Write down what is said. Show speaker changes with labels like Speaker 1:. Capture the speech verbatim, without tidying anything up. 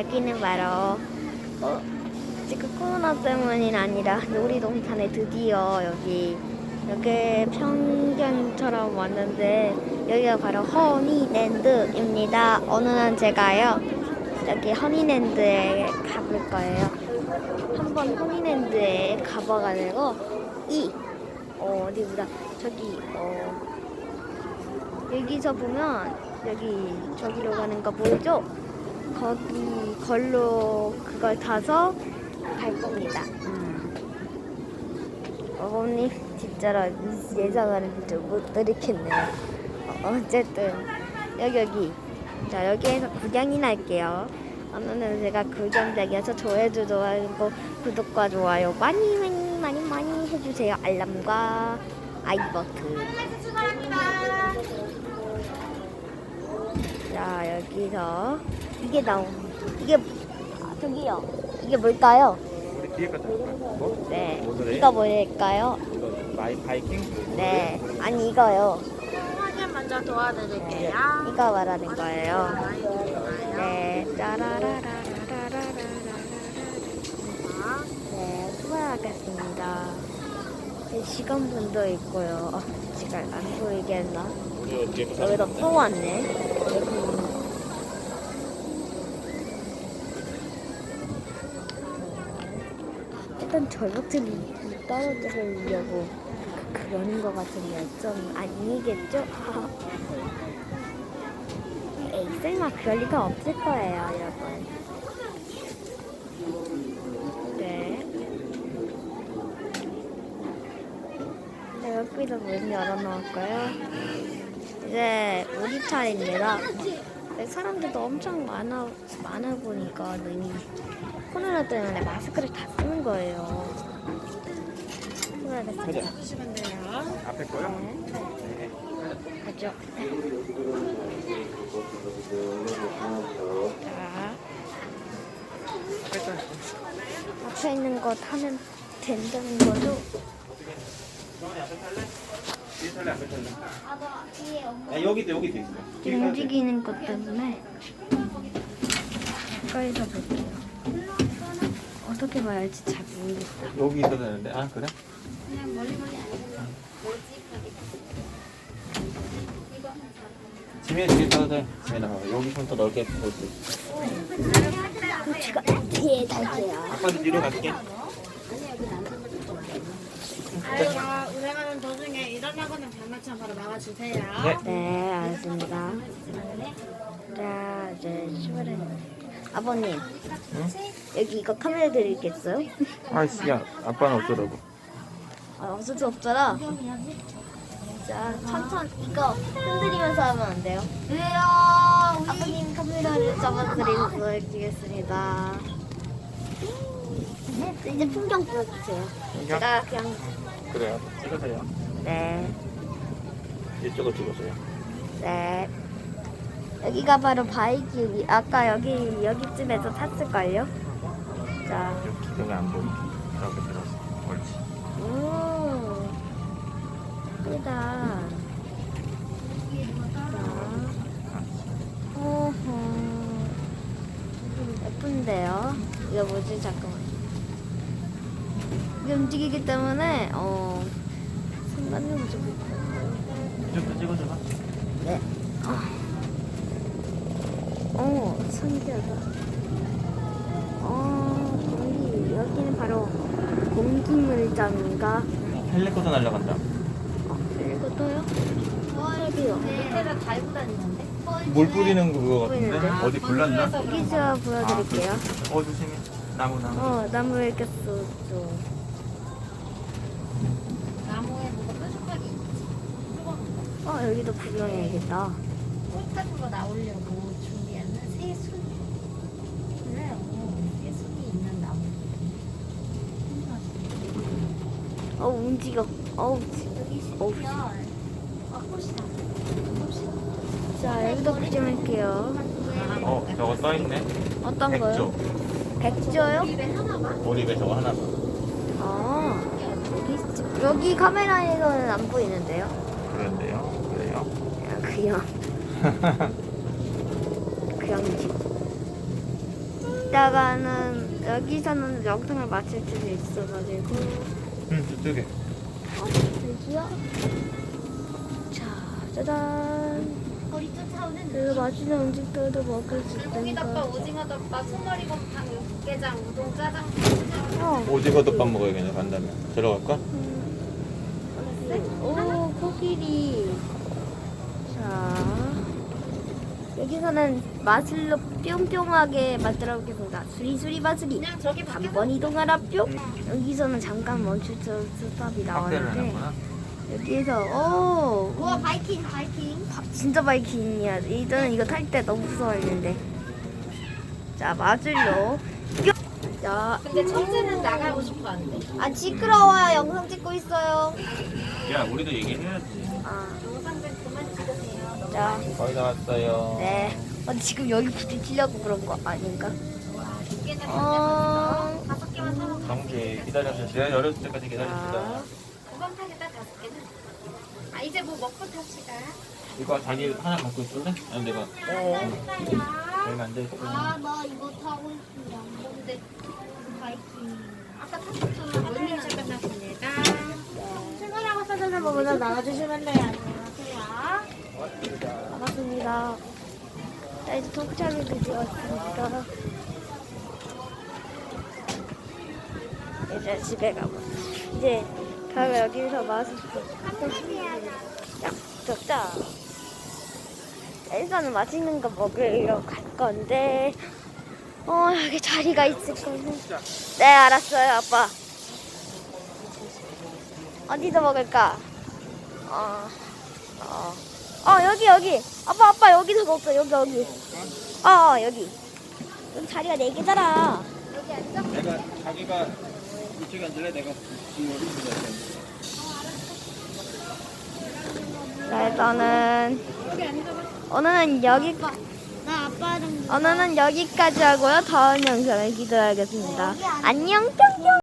Speaker 1: 여기는 바로 어, 지금 코로나 때문이 아니라 놀이동산에 드디어 여기 여기 평경처럼 왔는데 여기가 바로 허니랜드입니다. 오늘은 제가요 여기 허니랜드에 가볼 거예요. 한번 허니랜드에 가봐가지고 이 어, 어디 보자 저기 어 여기서 보면 여기 저기로 가는 거 보이죠? 거기 걸로 그걸 타서 갈 겁니다. 음. 어머님 진짜로 예상하는 줄못 들이겠네요. 어, 어쨌든 여기 여기 자 여기에서 구경이나 할게요. 오늘은 제가 구경장이어서 조회도 좋아하고 구독과 좋아요 많이 많이 많이 많이 해주세요. 알람과 아이버튼. 자 여기서 이게 나온 이게 아, 저기요 이게 뭘까요?
Speaker 2: 우리 뒤에 갔다 올까? 뭐?
Speaker 1: 네
Speaker 2: 뭐더래?
Speaker 1: 이거 뭘까요?
Speaker 2: 이거 마이 바이킹?
Speaker 1: 네 아니 이거요.
Speaker 3: 확인 먼저 도와드릴게요.
Speaker 1: 이거 말하는 거예요.
Speaker 3: 많이 드릴까요?
Speaker 1: 네 짜라라라라라라라라 네 수고하겠습니다. 네, 시간분도 있고요. 어, 시간 안 보이게 했나?
Speaker 2: 이거 뒤에 거
Speaker 1: 여기다 또 왔네. 일단 절벽들이 떨어뜨리려고 그러는 것 같은데 좀 아니겠죠? 에이 설마 그럴 리가 없을 거예요 여러분. 네. 네 여기다 문 열어놓을까요? 이제 우리 차례입니다. 네, 사람들도 엄청 많아 많아 보니까 이미 코로나 때문에 마스크를 다 쓰는 거예요. 수고하셨습니다.
Speaker 3: 주시면 돼요.
Speaker 2: 앞에 거요?
Speaker 1: 네. 가죠. 자,
Speaker 2: 앞에 거.
Speaker 1: 앞에 있는 거 타면 된다는 거죠?
Speaker 2: 정원이 앞에 탈래? 뒤에 탈래? 앞에 탈래?
Speaker 1: 아, 나 뒤에 엄마.
Speaker 2: 야, 여기도 여기도 있어. 뒤에 타야 돼.
Speaker 1: 움직이는 것 때문에 가까이서 볼게요. 어떻게 봐야 할지 잘 모르겠다.
Speaker 2: 여기 있어야 되는데. 아, 그래?
Speaker 1: 그냥 멀리 멀리 안
Speaker 2: 지민이 뒤에 타도 돼. 지민아, 여기 좀 더 넓게 볼 수 있어.
Speaker 1: 제가 뒤에 탈게요.
Speaker 2: 아빠도 뒤로 갈게.
Speaker 3: 아이가 운행하는 도중에 일어나거나 장난치면 바로 막아주세요.
Speaker 2: 네.
Speaker 1: 네, 알겠습니다. 자, 이제 출발해. 아버님,
Speaker 2: 응?
Speaker 1: 여기 이거 카메라 드리겠어요?
Speaker 2: 아이씨, 야, 아빠는 어쩌라고?
Speaker 1: 아, 없을 수 없잖아. 자, 천천히 이거 흔들리면서 하면 안 돼요? 왜요? 아버님 카메라를 잡아드리겠습니다. 이제 풍경 보여주세요.
Speaker 2: 풍경?
Speaker 1: 제가 그냥
Speaker 2: 그래요. 찍으세요.
Speaker 1: 네,
Speaker 2: 이쪽을 찍으세요.
Speaker 1: 네. 여기가 바로 바이킹이 아까 여기 여기쯤에서 탔을걸요? 자,
Speaker 2: 여기, 여기 안 보이게. 이렇게 들어서. 옳지.
Speaker 1: 오, 예쁘다. 자, 오호, 예쁜데요? 이거 뭐지? 잠깐만. 이게 움직이기 때문에 어 상관이 좀
Speaker 2: 이쪽도 찍어줘봐.
Speaker 1: 네. 어, 신기하다. 어, 여기, 여기는 바로 공기물장인가?
Speaker 2: 헬리콥터 날아간다.
Speaker 1: 어, 이것도요? 어, 여기요. 밑에다 달고 다니는데?
Speaker 2: 물 뿌리는 그거 같은데?
Speaker 1: 보이는데?
Speaker 2: 어디 불났나?
Speaker 1: 여기 제가 보여드릴게요.
Speaker 2: 아, 어, 조심해. 나무, 나무.
Speaker 1: 어, 나무에 꼈어, 좀.
Speaker 3: 나무에 뭐가 뾰족하게
Speaker 1: 어, 여기도 구경해야겠다.
Speaker 3: 꽃 같은 거 나오려고 준비하는 새순. 그래요. 새순이 있는 나무.
Speaker 1: 어, 움직여. 어우,
Speaker 3: 여기
Speaker 1: 어우.
Speaker 3: 시면 아, 꽃이다. 꽃이다.
Speaker 1: 자, 여기도 구경할게요.
Speaker 2: 어, 저거 써있네.
Speaker 1: 어떤 거요?
Speaker 2: 백조.
Speaker 1: 백조요?
Speaker 3: 입에 하나 봐.
Speaker 2: 몰입에 저거 하나 봐.
Speaker 1: 아, 여기, 여기 카메라에서는 안 보이는데요?
Speaker 2: 그런데요? 그래요?
Speaker 1: 아, 그냥. 그냥 집. 이따가는 여기서는 영상을 마칠 수도 있어가지고.
Speaker 2: 응, 저쪽에.
Speaker 1: 어, 여기요? 자, 짜잔.
Speaker 3: 거리 쫓아오는
Speaker 1: 그리고 맛있는 음식들도 먹을 수
Speaker 3: 고기덮밥,
Speaker 1: 있으니까.
Speaker 3: 오징어 덮밥, 소머리곰탕, 육개장, 우동, 짜장.
Speaker 1: 어.
Speaker 2: 오징어 덮밥 먹어야겠네, 간다면. 들어갈까?
Speaker 1: 오, 코끼리. 자, 여기서는 마술로 뿅뿅하게 만들어 보겠습니다. 수리수리 마술이.
Speaker 3: 그냥 저기
Speaker 1: 한
Speaker 3: 밖에서
Speaker 1: 번 이동하라 뿅. 여기서는 잠깐 멈추죠 스탑이 나오는데 여기에서 오,
Speaker 3: 우와 바이킹 바이킹.
Speaker 1: 바- 진짜 바이킹이야. 이전에 이거 탈 때 너무 무서워했는데. 자, 마술로 뿅. 자,
Speaker 3: 근데 첫째는 나가고 싶어 한대.
Speaker 1: 아 시끄러워요. 영상 찍고 있어요.
Speaker 2: 야, 우리도 얘기해야지.
Speaker 1: 아,
Speaker 3: 영상 좀 그만 찍으세요.
Speaker 1: 자,
Speaker 2: 거의 다 왔어요.
Speaker 1: 네. 어, 지금 여기 부딪히려고 그런 거 아닌가?
Speaker 3: 와, 두 개나
Speaker 1: 어.
Speaker 3: 어... 다섯 개만 사먹어.
Speaker 2: 정지 기다려주세요. 제가 열었을 때까지
Speaker 1: 자,
Speaker 2: 기다립시다.
Speaker 3: 두번 타겠다 다섯 개는. 아 이제 뭐 먹고 탑시다.
Speaker 2: 이거 자기 하나 갖고 있을래? 아니, 내가.
Speaker 1: 네.
Speaker 2: 내가 안 돼.
Speaker 3: 아 나 이거 타고 싶은데 안 뭔데 바이킹. 아까 탔었잖아. 모닝 샷 끝났습니다. 출근하고 사전을 보면서 나와주시면 돼요. 안녕하세요.
Speaker 1: 반갑습니다. 자, 이제 도착이 되었으니까 이제 집에 가고 이제 가고 여기서 마스크 약속 자 일단은 맛있는 거 먹으러 갈 건데 어 여기 자리가 있을 거는 네 알았어요 아빠. 어디서 먹을까? 어, 어. 어 여기 여기 아빠 아빠 여기서 먹자 여기 여기 어, 어 여기 여기 자리가 네 개잖아.
Speaker 3: 여기 앉아.
Speaker 2: 내가 자기가 이쪽에 앉을래? 내가 지금 여기 앉을래?
Speaker 1: 자 일단은
Speaker 3: 여기 앉아봐.
Speaker 1: 오늘은 여기
Speaker 3: 나 아빠랑
Speaker 1: 오늘은 여기까지 하고요. 다음 영상을 기대하겠습니다. 안녕 뿅뿅.